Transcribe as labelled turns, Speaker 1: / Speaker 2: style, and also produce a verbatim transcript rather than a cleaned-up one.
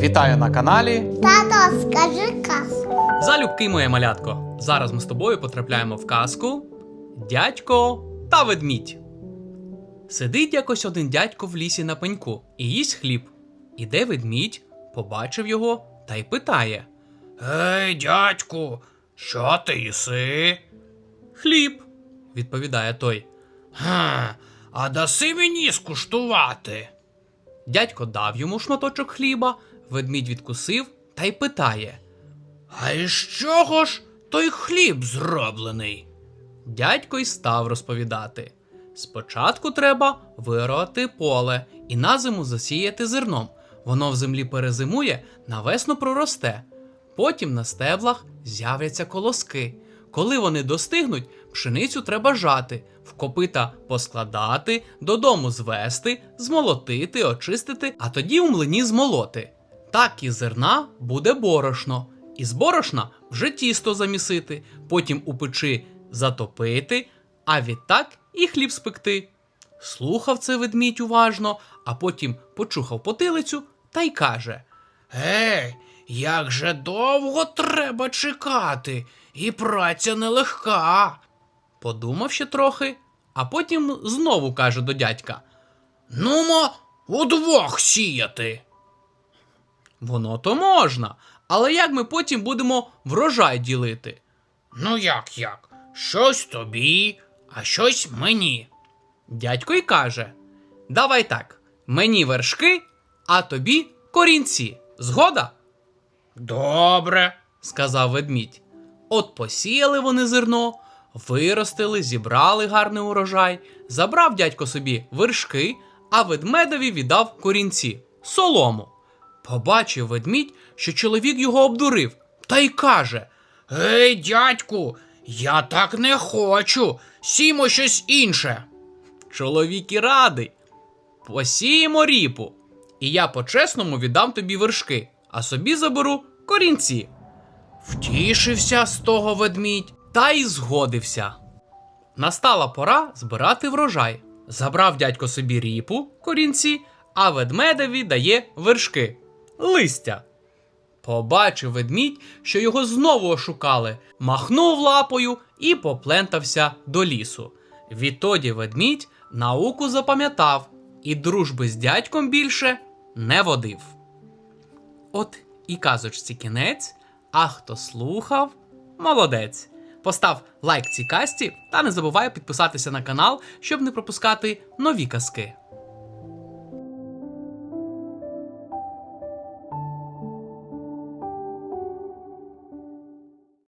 Speaker 1: Вітаю на каналі.
Speaker 2: Тато, скажи казку.
Speaker 3: Залюбки, моє малятко. Зараз ми з тобою потрапляємо в казку «Дядько та ведмідь». Сидить якось один дядько в лісі на пеньку і їсть хліб. Іде ведмідь, побачив його та й питає:
Speaker 4: Ей, дядьку, що ти їси?
Speaker 3: «Хліб», відповідає той.
Speaker 4: Га, а даси мені скуштувати?
Speaker 3: Дядько дав йому шматочок хліба, ведмідь відкусив та й питає:
Speaker 4: А із чого ж той хліб зроблений?
Speaker 3: Дядько й став розповідати. Спочатку треба виорати поле і на зиму засіяти зерном. Воно в землі перезимує, навесну проросте. Потім на стеблах з'являться колоски. Коли вони достигнуть, пшеницю треба жати, в копита поскладати, додому звести, змолотити, очистити, а тоді у млині змолоти. Так із зерна буде борошно. Із борошна вже тісто замісити, потім у печі затопити, а відтак і хліб спекти. Слухав це ведмідь уважно, а потім почухав потилицю та й каже:
Speaker 4: Ей, як же довго треба чекати, і праця нелегка.
Speaker 3: Подумав ще трохи, а потім знову каже до дядька:
Speaker 4: Нумо удвох сіяти.
Speaker 3: Воно то можна, але як ми потім будемо врожай ділити?
Speaker 4: Ну як як? Щось тобі, а щось мені.
Speaker 3: Дядько й каже: давай так, мені вершки, а тобі корінці. Згода?
Speaker 4: Добре.
Speaker 3: Сказав ведмідь. От посіяли вони зерно, виростили, зібрали гарний урожай, забрав дядько собі вершки, а ведмедові віддав корінці, солому. Побачив ведмідь, що чоловік його обдурив, та й каже:
Speaker 4: Ей, дядьку, я так не хочу, сімо щось інше.
Speaker 3: чоловік і радий. Посіємо ріпу, і я по-чесному віддам тобі вершки, а собі заберу корінці. Втішився з того ведмідь та й згодився. Настала пора збирати врожай. Забрав дядько собі ріпу, корінці, а ведмедеві дає вершки, листя. Побачив ведмідь, що його знову ошукали, махнув лапою і поплентався до лісу. Відтоді ведмідь науку запам'ятав і дружби з дядьком більше не водив. От і казочці кінець, а хто слухав – молодець. Постав лайк цій казці та не забувай підписатися на канал, щоб не пропускати нові казки.